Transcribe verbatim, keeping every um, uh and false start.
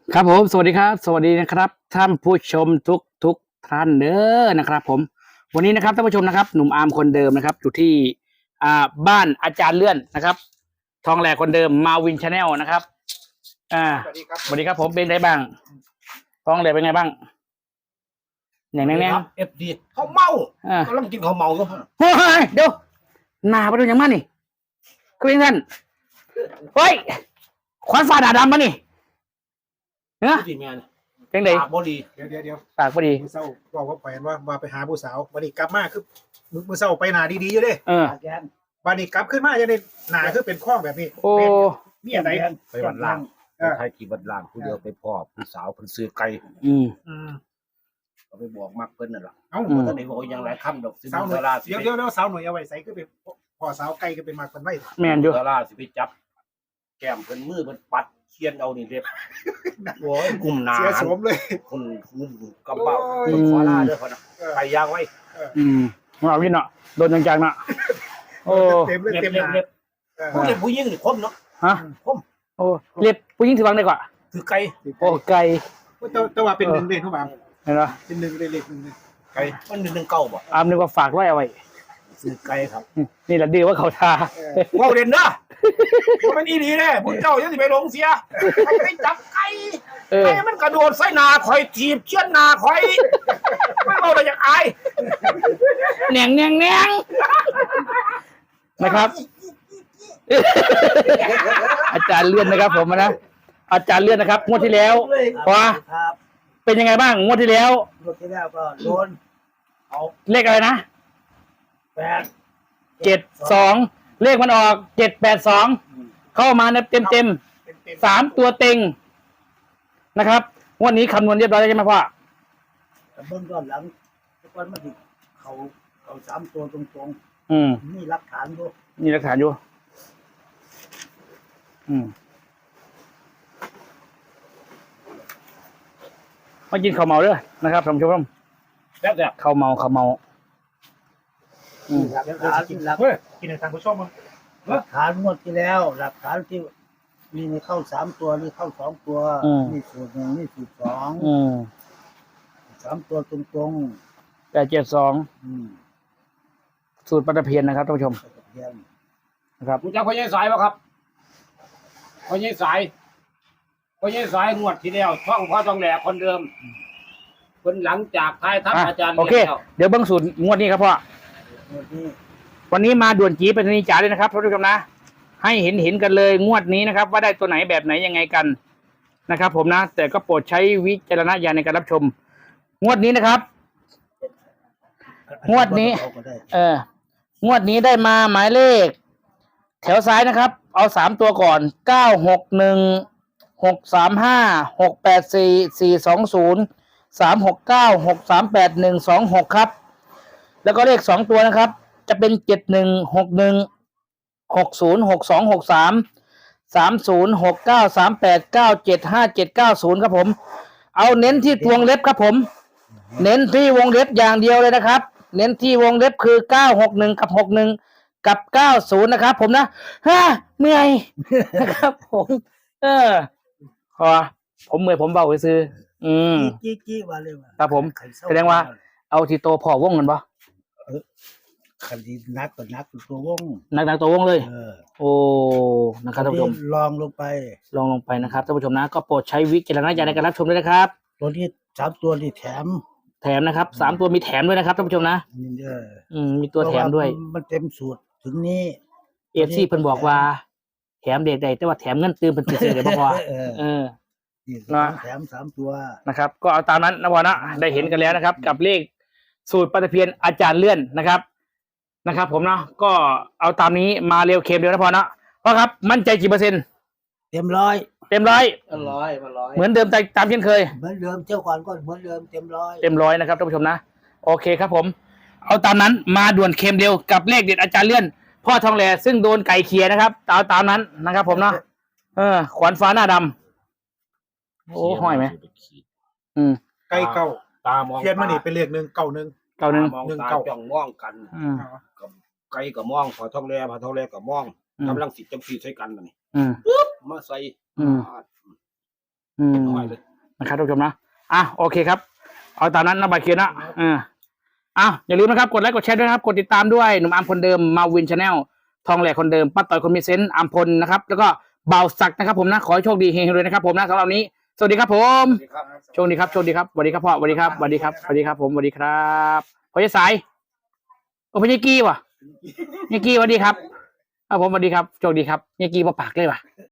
ครับผมสวัสดีครับสวัสดีนะครับท่านผู้ชมทุกทุกท่านเด้อนะครับผมวันนี้นะครับท่านผู้ชมนะครับหนุ่มอาร์มคนเดิมนะครับอยู่ที่อ่าบ้านอาจารย์เลื่อนนะครับทองแหลกคนเดิมมาวินชาแนลนะครับอ่าสวัสดีครับสวัสดีครับผมเป็นไงบ้างทองแหลกเป็นไงบ้างอย่างแน่งเอฟดีเขาเมาๆอ่ากำลังกินเขาเมาก็เฮ้ยเดี๋ยวหน้าไปดูอย่างมันนี่คือเป็นกันเฮ้ยควันฟ้าด่าดำมานี่เนาะที่แมนเป็นไงปากบดีเดี๋ยวเดี๋ยวเดี๋ยวปากพอดีมือเศร้าบอกว่าแขวนว่าว่าไปหาผู้สาววันนี้กลับมาคือมือมือเศร้าไปหนาดีๆอยู่เด้เออแกนวันนี้กลับขึ้นมาจะได้หนาคือเป็นข้องแบบนี้โอ้มีอะไรไปวัดล่างเออไทยที่วัดล่างผู้เดียวไปพ่อผู้สาวเพิ่นซื้อไก่อืมอืมเขาไปบอกมักเพิ่นนั่นล่ะเอ้าอืมตอนนี้บอกยังหลายคำดอกสิสาวหน่ดาอยราสิเดี๋ยวเดี๋ยวเดี๋ยวสาวหน่อยเอาไว้ใส่ก็เป็นพอสาวไก่ก็เป็นมากคนไว้แมนอยู่ดาราสิไปจับ แก้มเพิ่นมือเพิ่นปัดเคียนเอานี่เล็บโอ้ยกลุ่มหนาเสียโฉมเลยคนงุ่มกำเบ้าโอ้ยคนขอลาเด้อพ่อนะเออไปยางไว้อืมเอาวินเนาะโดนจังๆเนาะโอ้เต็มเลยเล็บเต็มหเล็บนาเล็บเออผู้เล็บผู้หญิงนี่คมเนาะฮะคมโอ้เรียบผู้หญิงถือวังได้กว่าถือไก่โอ้ไก่แต่แต่ว่าเป็นหนึ่งเลยทุกบางเห็นไหมเป็นหนึ่งเลยเล็กหนึ่งเลยไก่มันหนึ่งหนึ่งเก้าบ่อามนึกว่าฝากไว้เอาไว้ซื้อไก่ครับนี่แหละดีว่าเขาทาเออว้าวเด่นนะมันอีดีแน่พวกเจ้าจะสิไปลงเสียไปจับไก่เออไก่มันกระโดดใส่หนาคอยถีบเชือนหนาคอยไม่เอาอะไรอย่างอายแหนงแหนงแหนงนะครับ อาจารย์เลื่อนนะครับ ผมนะอาจารย์เลื่อนนะครับงวดที่แล้วพอครับเป็นยังไงบ้างงวดที่แล้วรถที่แล้วก็โดนเอาเลขอะไรนะแปดเจ็ดสองเลขมันออกเจ็ดแปดสองเข้ามานะเต็มเต็มเป็นเต็มสามตัวเต็งนะครับงวันนี้คำนวณเรียบร้อยแล้วใช่ไหมพ่อแต่เบื้องต้นหลังทุกวันมันที่เขาเขาสามตัวตรงอืมๆนี่หลักฐานด้วยมีหลักฐานอยู่ อืมมากินข้าวเมาเด้อนะครับท่านผู้ชมแล้วแต่ข้าวเมาข้าวเมา อืมหลักฐานหลักเฮ้ยกินในทางผู้ชมมั้งหลักฐานงวดที่แล้ว หลักฐานที่มีเข้าสามตัวนี่เข้าสองตัวนี่สูตรหนึ่งนี่สูตรสองอืมสามตัวตรงแปดเจ็ดสองๆอืมสูตรปลาเพียนนะครับท่านผู้ชมตะเพียนนะครับคุณจักพ่อใหญ่สายป่ะครับพ่อใหญ่สายพ่อใหญ่สายงวดที่แล้วช่องพ่อต้องแหลกคนเดิมคนหลังจากท้ายทัพอ่ะอาจารย์โอเคแล้วเดี๋ยวเบิ้งสูตรงวดนี้ครับพ่องวดนี้วันนี้มาด่วนจีเป็นนิจาเลยนะครับท่านผู้ชมนะ ให้เห็นเห็นกันเลยงวดนี้นะครับ ว่าได้ตัวไหนแบบไหนยังไงกันนะครับ ผมนะ แต่ก็โปรดใช้วิจารณญาณในการรับชม งวดนี้นะครับ งวดนี้เขาก็ได้เอองวดนี้ได้มาหมายเลข แถวซ้ายนะครับ เอาสามตัวก่อนเก้าหกหนึ่งหกสามห้าหกแปดสี่สี่สองศูนย์สามหกเก้าหกสามแปดหนึ่งสองหกครับ แล้วก็เลขสองตัวนะครับ จะเป็นเจ็ดหนึ่งหกหนึ่งหกศูนย์หกสองหกสามสามศูนย์หกเก้าสามแปดเก้าเจ็ดห้าเจ็ดเก้าศูนย์ครับผม เอาเน้นที่วงเล็บครับผม เน้นที่วงเล็บอย่างเดียวเลยนะครับ เน้นที่วงเล็บคือเก้าหกหนึ่งกับหกหนึ่งกับเก้าศูนย์นะครับ ผมนะฮ่าเมื่อย นะครับ ผม เออพอผมเมื่อยผมเบาไปซื้อ อืมจี้จี้ว่าเลยว่าครับผมใรเศร้แสดงว่า เอาที่โตพอวงกันปะคันที่นักก็นักตัววงหนักๆตัววงเลยเออโอ้นะครับท่านผู้ชมลองลงไปลองลงไปนะครับท่านผู้ชมนะก็โปรดใช้วิจารณญาณในการรับชมด้วยนะครับตัวนี้สามตัวนี่แถมแถมนะครับสามตัวมีแถมด้วยนะครับท่านผู้ชมนะนี่เด้ออืมมีตัวแถมด้วยเพราะามันเต็มสูตรถึงนี้เอฟซีเพิ่นบอกว่า แถมเด็กใดแต่ว่าแถมเงินตื่นเป็นตื่นเดี๋ยวบ่พอเออเออนี่นะแถมสามตัวนะครับ ก็เอาตามนั้นนะวอนะได้เห็นกันแล้วนะครับ กับเลขสูตรปฏิเพียนอาจารย์เลื่อนนะครับนะครับ ผมเนาะก็เอาตามนี้มาเร็วเค็มเร็วนะพอนะเพราะครับมั่นใจกี่เปอร์เซ็นต์เต็มร้อยเต็มร้อยร้อยมาร้อยเหมือนเดิมตามเช่นเคยเหมือนเดิมเที่ยวก่อนก็เหมือนเดิมเต็มร้อยเต็มร้อยนะครับท่านผู้ชมนะโอเคครับผม เอาตามนั้นมาด่วนเค็มเร็วกับเลขเด็ดอาจารย์เลื่อน พ่อทองแหล่ซึ่งโดนไก่เคียนะครับเอาตามนั้นนะครับ ผมเนาะเออขวานฟ้าหน้าดำโอ้ห้อยไหมอืมไก่เก่าตามองเทียนมานี่เป็นเลขหนึ่งเก่าหนึ่งเก้าหนึ่งมองหนึ่งตาเก้าจ้องมองกันอืมกับไก่กับมองพอท้องแร่พอท้องแร่กับมองอืมกำลังสิจังสีใส่กันน่ะนี่อืมมาใส่อืมอืมน้อยเลยนะครับทุกผู้ชมนะอ่ะโอเคครับ เอาตามนั้นนะบายเคียนนะอ่าอ่ะอย่าลืมนะครับ กดไลค์กดแชร์ด้วยนะครับ กดติดตามด้วยหนุ่มอาร์มคนเดิมมาวินชาแนลทองแหลกคนเดิมป้าต่อยคนมีเซนต์อาร์มพลนะครับ แล้วก็เบาศักดิ์นะครับผมนะ ขอให้โชคดีเฮงๆเลยนะครับผมนะสำหรับวันนี้ สวัสดีครับผมสวัสดีครับโชคดีครับโชคดีครับสวัสดีครับพ่อสวัสดีครับสวัสดีครับสวัสดีครับผมสวัสดีครับพ่อจะสายโอ้พ่อเยกี้ว่ะเยกี้สวัสดีครับครับผมสวัสดีครับโชคดีครับเยกี้มาปากเลยว่ะ